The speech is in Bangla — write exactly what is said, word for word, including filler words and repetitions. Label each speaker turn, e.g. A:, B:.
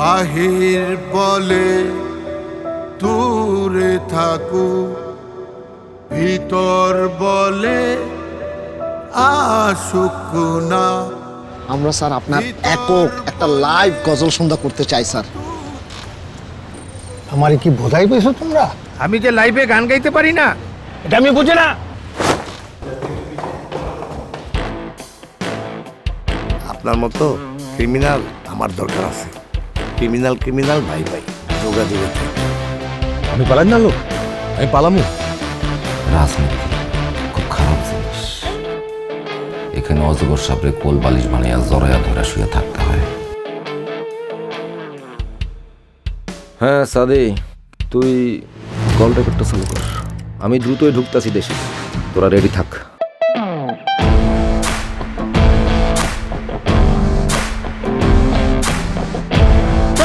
A: বাহির বলে দূরে থাকু, ভিতর বলে আসুক না।
B: আমরা স্যার আপনার একক একটা লাইভ গজল সন্ধ্যা করতে চাই স্যার।
C: আমারে কি বোঝাই পেয়েছো তোমরা?
D: আমি যে লাইভে গান গাইতে পারি না
C: এটা আমি বুঝি না।
E: আপনার মতো ক্রিমিনাল আমার দরকার আছে। ক্রিমিনাল ক্রিমিনাল ভাই ভাই যোগাযোগে থাকে।
F: আমি পালাই না লোক, আমি পালামু।
G: রাজনীতি খুব খারাপ জিনিস। এখানে অজগর সাপড়ে কোল বালিশ বানাইয়া জড়াইয়া ধরা শুয়ে থাকতে হয়।
F: হ্যাঁ সাদি, তুই কল রেকর্ডটা চালু কর। আমি দ্রুতই ঢুকতাছি দেশে, তোরা রেডি থাক।